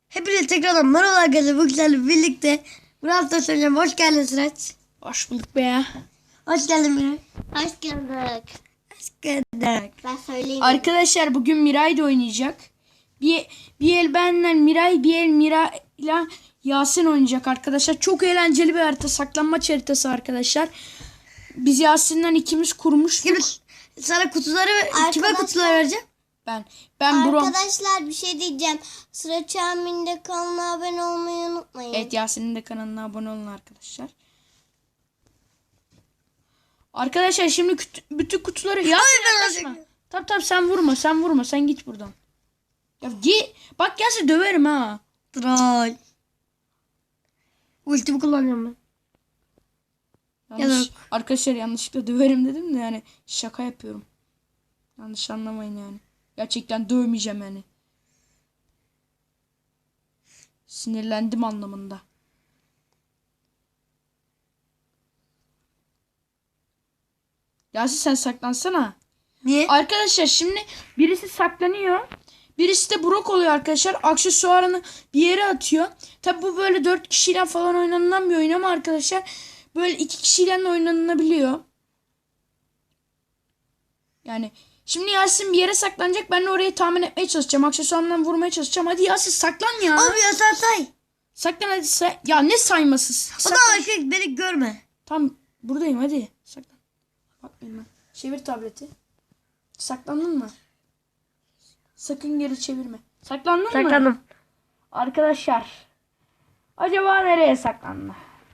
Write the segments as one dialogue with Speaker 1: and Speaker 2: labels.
Speaker 1: Hepinize tekrardan merhaba arkadaşlar. Bu güzel birlikte Brawl Stars oynayacağım. Hoş geldin Sıraç.
Speaker 2: Hoş bulduk be ya.
Speaker 1: Hoş geldin Miray.
Speaker 3: Hoş gördük.
Speaker 1: Hoş geldin.
Speaker 3: Ben söyleyeyim.
Speaker 2: Arkadaşlar bugün Miray da oynayacak. Bir el benle Miray, bir el Miray'la Yasin oynayacak arkadaşlar. Çok eğlenceli bir harita. Saklanmaç haritası arkadaşlar. Biz Yasin'den ikimiz kurmuştuk.
Speaker 1: Şimdi sana kutuları kime kutuları vereceğim?
Speaker 2: Ben Brom.
Speaker 3: Arkadaşlar bir şey diyeceğim. Sıra Çamil'de kanalına abone olmayı unutmayın.
Speaker 2: Evet, Yasin'in de kanalına abone olun arkadaşlar. Arkadaşlar şimdi bütün kutuları yaklaşma. Tamam sen vurma sen git buradan. Ya git. Bak gelse döverim ha.
Speaker 1: Troll. Ultimi kullanıyorum ben.
Speaker 2: Arkadaşlar yanlışlıkla döverim dedim de yani şaka yapıyorum. Yanlış anlamayın yani. Gerçekten dövmeyeceğim yani. Sinirlendim anlamında. Yasin sen saklansana.
Speaker 1: Niye?
Speaker 2: Arkadaşlar şimdi birisi saklanıyor. Birisi de Brock oluyor arkadaşlar. Aksesuarını bir yere atıyor. Tabi bu böyle 4 kişiyle falan oynanılan bir oyun ama arkadaşlar böyle 2 kişiyle de oynanılabiliyor. Yani şimdi Yasin bir yere saklanacak. Ben de orayı tahmin etmeye çalışacağım. Aksesuarından vurmaya çalışacağım. Hadi Yasin saklan ya.
Speaker 1: Abi ya sen say.
Speaker 2: Saklan hadi Ya ne sayması?
Speaker 1: O da arkadaş beni görme.
Speaker 2: Tam buradayım hadi. Saklan. Bak benim. Çevir tableti. Saklandın mı? Sakın geri çevirme. Saklandın mı?
Speaker 1: Saklandım.
Speaker 2: Arkadaşlar. Acaba nereye saklandı?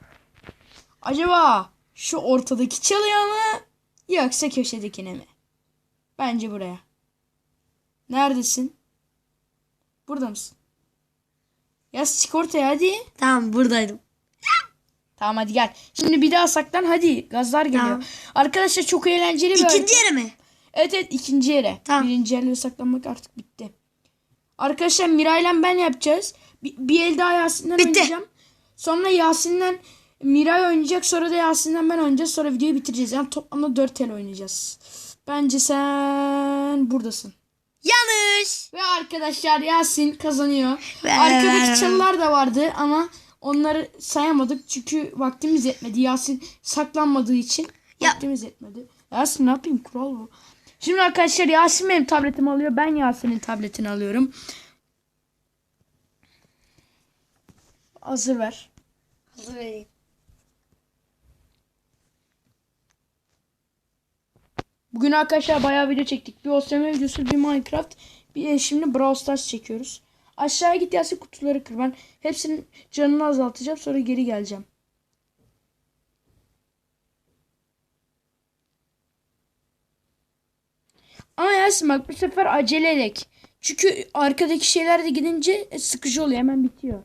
Speaker 2: Acaba şu ortadaki çalıya mı? Yoksa köşedekine mi? Bence buraya. Neredesin? Burada mısın? Yaz çık ortaya hadi.
Speaker 1: Tamam buradaydım.
Speaker 2: Tamam hadi gel. Şimdi bir daha saklan hadi. Gazlar geliyor.
Speaker 1: Tamam.
Speaker 2: Arkadaşlar çok eğlenceli bir
Speaker 1: İkinci yere mi?
Speaker 2: Evet ikinci yere.
Speaker 1: Tamam.
Speaker 2: Birinci yerlere saklanmak artık bitti. Arkadaşlar Miray'la ben yapacağız. Bir el daha Yasin'den
Speaker 1: Bitti.
Speaker 2: oynayacağım. Sonra Yasin'den Miray oynayacak. Sonra da Yasin'den ben oynayacağız. Sonra videoyu bitireceğiz. Yani toplamda 4 el oynayacağız. Bence sen buradasın.
Speaker 1: Yanlış.
Speaker 2: Ve arkadaşlar Yasin kazanıyor.
Speaker 1: Ve-
Speaker 2: Arkadaki çalılar da vardı ama onları sayamadık. Çünkü vaktimiz yetmedi. Yasin saklanmadığı için vaktimiz yetmedi. Yasin ne yapayım, kural bu. Şimdi arkadaşlar Yasin benim tabletimi alıyor. Ben Yasin'in tabletini alıyorum. Hazır ver.
Speaker 1: Hazır vereyim.
Speaker 2: Bugün arkadaşlar bayağı video çektik. Bir OSM videosu, bir Minecraft. Bir de şimdi Brawl Stars çekiyoruz. Aşağıya git Yasin, kutuları kır. Ben hepsinin canını azaltacağım. Sonra geri geleceğim. Ama Yasin bak bu sefer acele edek. Çünkü arkadaki şeyler de gidince sıkıcı oluyor. Hemen bitiyor.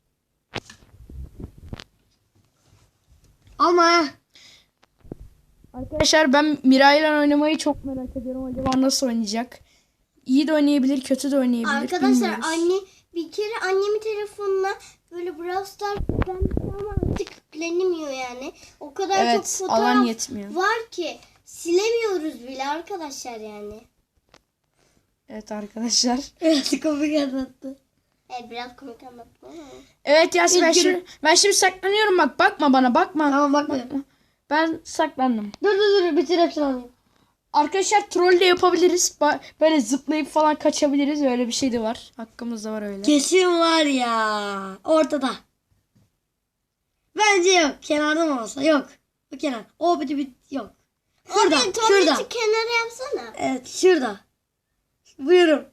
Speaker 1: Ama
Speaker 2: Arkadaşlar ben Miray'la oynamayı çok merak ediyorum. Acaba nasıl oynayacak? İyi de oynayabilir, kötü de oynayabilir.
Speaker 3: Arkadaşlar
Speaker 2: bilmiyoruz.
Speaker 3: bir kere annemin telefonuna böyle Brawl Stars yüklenmiş ama artık yüklenemiyor yani. O kadar çok
Speaker 2: Evet,
Speaker 3: fotoğraf
Speaker 2: alan yetmiyor.
Speaker 3: var ki silemiyoruz bile arkadaşlar yani.
Speaker 2: Evet arkadaşlar.
Speaker 1: evet komik anlattı.
Speaker 3: Evet biraz komik anlattım ama.
Speaker 2: Evet Yasin ben
Speaker 1: Üzgünüm.
Speaker 2: şimdi saklanıyorum, bak bakma bana, bakma.
Speaker 1: Tamam bak.
Speaker 2: Ben saklandım.
Speaker 1: Dur bitir hepsini alayım.
Speaker 2: Arkadaşlar troll de yapabiliriz. Böyle zıplayıp falan kaçabiliriz. Öyle bir şey de var. Hakkımızda var öyle.
Speaker 1: Kesin var ya. Ortada. Bence yok. Kenarda mı olsa? Yok. O kenar. O bir yok. Şurada.
Speaker 3: Abi
Speaker 1: Şurada.
Speaker 3: tuvaleti kenara yapsana.
Speaker 1: Evet şurada. Buyurun.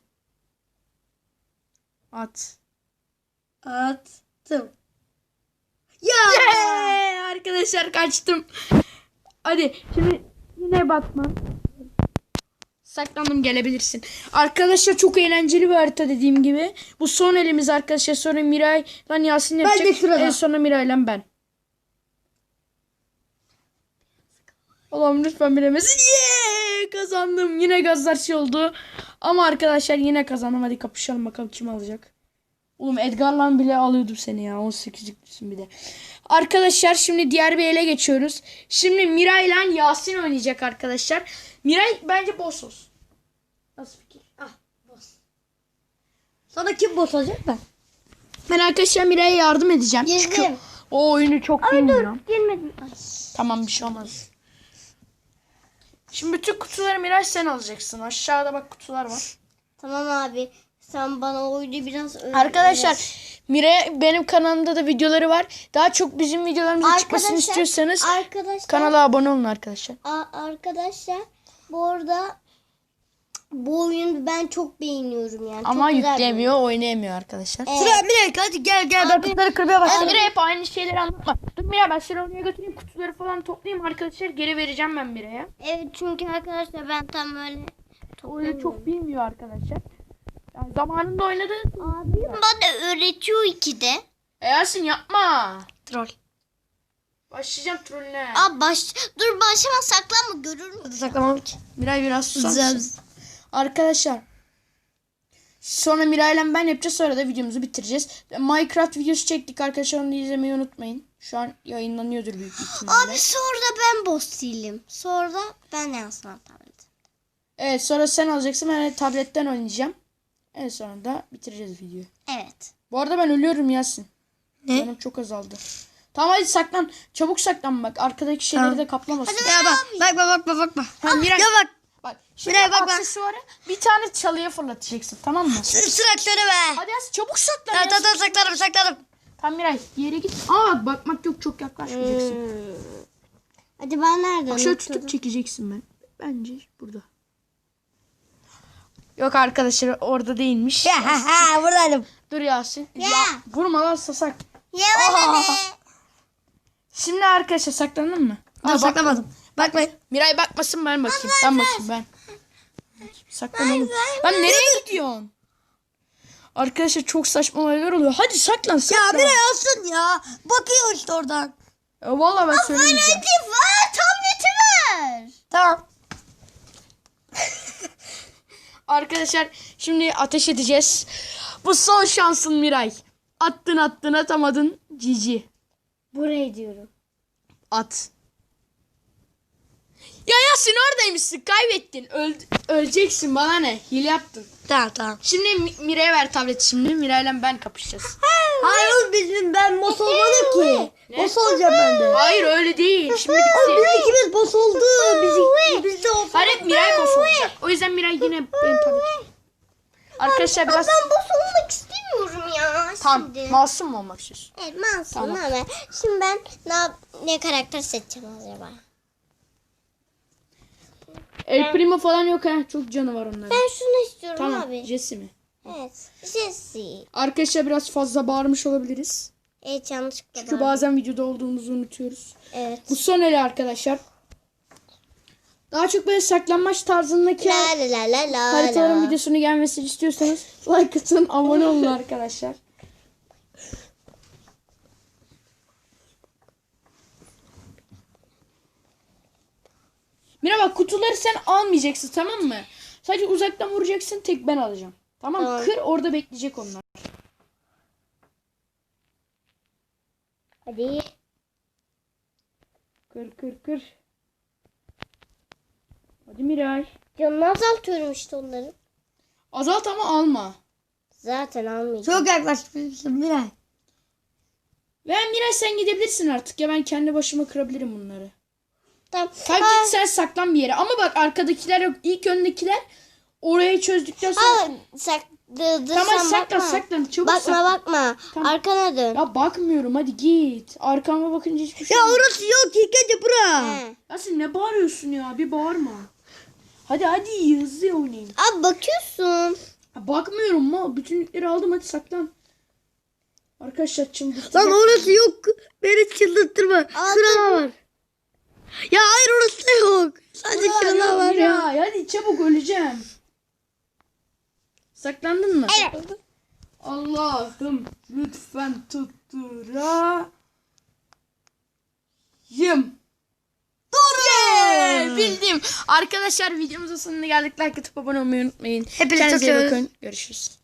Speaker 2: At.
Speaker 1: Attım. Ya.
Speaker 2: Arkadaşlar kaçtım. Hadi şimdi yine batman. Saklandım, gelebilirsin. Arkadaşlar çok eğlenceli bir harita dediğim gibi. Bu son elimiz arkadaşlar. Sonra Miray'la Yasin
Speaker 1: Ben
Speaker 2: yapacak.
Speaker 1: de şurada.
Speaker 2: En sonra Miray'la ben. Allah'ım lütfen bilemesin. Yeah! Kazandım. Yine gazlar şey oldu. Ama arkadaşlar yine kazandım. Hadi kapışalım bakalım kim alacak. Oğlum Edgar'la bile alıyordum seni ya. 18'liksin bir de. Arkadaşlar şimdi diğer bir ele geçiyoruz. Şimdi Miray ile Yasin oynayacak arkadaşlar. Miray bence boss olsun. Nasıl fikir?
Speaker 1: Sana kim boss olacak ben?
Speaker 2: Ben arkadaşlar Miray'a yardım edeceğim. Çünkü
Speaker 3: Girdim.
Speaker 2: o oyunu çok bilmiyorum.
Speaker 3: Girmedim. Ay.
Speaker 2: Tamam, bir şey olmaz. Şimdi bütün kutuları Miray sen alacaksın. Aşağıda bak kutular var.
Speaker 3: Tamam abi. Sen bana oyunu biraz öğret.
Speaker 2: Arkadaşlar Miray benim kanalımda da videoları var. Daha çok bizim videolarımızın çıkmasını
Speaker 3: Arkadaşlar,
Speaker 2: istiyorsanız
Speaker 3: Arkadaşlar.
Speaker 2: kanala abone olun arkadaşlar.
Speaker 3: Arkadaşlar bu arada bu oyunu ben çok beğeniyorum yani.
Speaker 2: Ama
Speaker 3: çok güzel bir
Speaker 2: yüklemiyor, oynayamıyor arkadaşlar.
Speaker 3: oyun.
Speaker 1: Sıra Miray, hadi gel ben
Speaker 3: Abi-
Speaker 1: kutuları kırmaya başladım.
Speaker 2: Miray hep aynı şeyleri anlatma. Dur Miray, ben seni oraya götüreyim, kutuları falan toplayayım arkadaşlar, geri vereceğim ben Miray'a.
Speaker 3: Evet çünkü arkadaşlar ben tam böyle
Speaker 2: Oyunu çok bilmiyor arkadaşlar. Yani zamanında oynadı.
Speaker 3: Abi bana öğretiyor ikide.
Speaker 2: Yasin yapma.
Speaker 1: Troll.
Speaker 2: Başlayacağım trollüne.
Speaker 3: Dur başlama saklanma görür mü?
Speaker 1: Saklamam ki.
Speaker 2: Miray biraz susar
Speaker 1: Güzel.
Speaker 2: mısın? Arkadaşlar. Sonra Miray'la ben yapacağız, sonra da videomuzu bitireceğiz. Minecraft videosu çektik arkadaşlar, onu da izlemeyi unutmayın. Şu an yayınlanıyordur büyük ihtimalle.
Speaker 3: Abi sonra da ben boss değilim. Sonra ben yansıma tablet.
Speaker 2: Evet, sonra sen alacaksın, ben de tabletten oynayacağım. En sonra da bitireceğiz videoyu.
Speaker 3: Evet.
Speaker 2: Bu arada ben ölüyorum Yasin.
Speaker 1: Ne?
Speaker 2: Canım çok azaldı. Tamam hadi saklan. Çabuk saklan bak. Arkadaki şeyleri
Speaker 1: Tamam.
Speaker 2: de kaplamasın.
Speaker 1: Ya bakma.
Speaker 2: Ha, Miray,
Speaker 1: Ya bak.
Speaker 2: bak. Şimdi
Speaker 1: Miray, bak.
Speaker 2: aksesuarı bir tane çalıya fırlatacaksın, tamam mı?
Speaker 1: Sıra be.
Speaker 2: Hadi Yasin çabuk saklan.
Speaker 1: Tamam
Speaker 2: Yasin.
Speaker 1: saklarım.
Speaker 2: Tamam Miray, yere git. Aa bak, bakmak yok, çok yaklaşmayacaksın.
Speaker 3: Hadi ben nereden
Speaker 2: Bak şöyle
Speaker 3: oturdum?
Speaker 2: tutup çekeceksin ben. Bence burada. Yok arkadaşlar, orada değilmiş.
Speaker 1: Buradaydım.
Speaker 2: Dur Yasin.
Speaker 3: Ya.
Speaker 2: Vurma lan sasak.
Speaker 3: Ya bana ne?
Speaker 2: Şimdi arkadaşlar saklandın mı?
Speaker 1: Dur
Speaker 2: Aa, bak.
Speaker 1: saklamadım. Bakmayın.
Speaker 2: Miray bakmasın, ben bakayım. Ben bakayım ben. Saklan oğlum. Lan nereye gidiyorsun? Arkadaşlar çok saçma olaylar oluyor. Hadi saklan
Speaker 1: Ya
Speaker 2: saklan.
Speaker 1: Miray alsın ya. Bakıyor işte oradan.
Speaker 2: Vallahi ben söylemeyeceğim.
Speaker 3: Var tableti ver.
Speaker 1: Tamam.
Speaker 2: Arkadaşlar şimdi ateş edeceğiz. Bu son şansın Miray. Attın atamadın. Cici.
Speaker 3: Buraya diyorum.
Speaker 2: At. Ya Yasin oradaymışsın. Kaybettin. Öleceksin, bana ne? Hile yaptın.
Speaker 1: Tamam.
Speaker 2: Şimdi Miray'a ver tableti şimdi. Miray'la ben kapışacağız.
Speaker 1: Hayır oğlum ben boss olmadım ki. Boss olacağım ben de.
Speaker 2: Hayır öyle değil. Şimdi
Speaker 1: Oğlum
Speaker 2: bitti.
Speaker 1: biz ikimiz boss oldu. Biz de olsun.
Speaker 2: Hayır hep Miray boss olacak. O yüzden Miray yine benim tabletim. Arkadaşlar biraz...
Speaker 3: Ben boss olmak istemiyorum ya
Speaker 2: Tamam.
Speaker 3: şimdi.
Speaker 2: Masum mu olmak istiyorsun?
Speaker 3: Evet masum
Speaker 2: Tamam.
Speaker 3: ama şimdi ben ne karakter seçeceğim acaba?
Speaker 2: El Primo falan yok ha. Çok canı var onların.
Speaker 3: Ben şunu istiyorum
Speaker 2: Tamam.
Speaker 3: abi.
Speaker 2: Jesse mi?
Speaker 3: Evet. Jesse.
Speaker 2: Arkadaşlar biraz fazla bağırmış olabiliriz.
Speaker 3: Evet yanlışlıkla
Speaker 2: Çünkü
Speaker 3: ben-
Speaker 2: bazen videoda olduğumuzu unutuyoruz.
Speaker 3: Evet.
Speaker 2: Bu son eli arkadaşlar. Daha çok böyle saklanmaç tarzındaki
Speaker 3: La la la la la
Speaker 2: haritaların
Speaker 3: la.
Speaker 2: videosunu gelmesini istiyorsanız like atın, abone olun arkadaşlar. Mira bak, kutuları sen almayacaksın, tamam mı? Sadece uzaktan vuracaksın, tek ben alacağım. Tamam mı?
Speaker 3: Tamam.
Speaker 2: Kır, orada bekleyecek onlar.
Speaker 3: Hadi.
Speaker 2: Kır. Hadi Miray.
Speaker 3: Canını azaltıyorum işte onların.
Speaker 2: Azalt ama alma.
Speaker 3: Zaten almayacağım.
Speaker 1: Çok yaklaşmışsın Miray.
Speaker 2: Ve Miray sen gidebilirsin artık ya, ben kendi başıma kırabilirim bunları.
Speaker 3: Tamam.
Speaker 2: Tabii git sen saklan bir yere. Ama bak arkadakiler yok. İlk öndekiler orayı çözdükten sonra...
Speaker 3: Tamam
Speaker 2: Tamam saklan. Çabuk saklan.
Speaker 3: Bakma.
Speaker 2: Tamam.
Speaker 3: Arkana dön.
Speaker 2: Ya bakmıyorum, hadi git. Arkama bakınca hiçbir şey
Speaker 1: Ya
Speaker 2: yok.
Speaker 1: orası yok. İlk önce bura.
Speaker 3: He.
Speaker 2: Ya sen ne bağırıyorsun ya? Bir bağırma. Hadi hızlı oynayın.
Speaker 3: Abi bakıyorsun.
Speaker 2: Ya bakmıyorum ma. Bütünlükleri aldım, hadi saklan. Arkadaşlar çıldırtacak.
Speaker 1: Lan orası yok. Beni çıldırtırma. Şurada var. Ya hayır orası da yok. Sadece şurada var ya.
Speaker 2: Hadi çabuk, öleceğim. Saklandın mı?
Speaker 3: Evet.
Speaker 2: Allah'ım lütfen tutturayım. Doğru. Bildim. Arkadaşlar videomuzun sonuna geldik. Like atıp abone olmayı unutmayın.
Speaker 1: Hepinizi
Speaker 2: Kendinize iyi
Speaker 1: çok seviyoruz.
Speaker 2: bakın. Görüşürüz.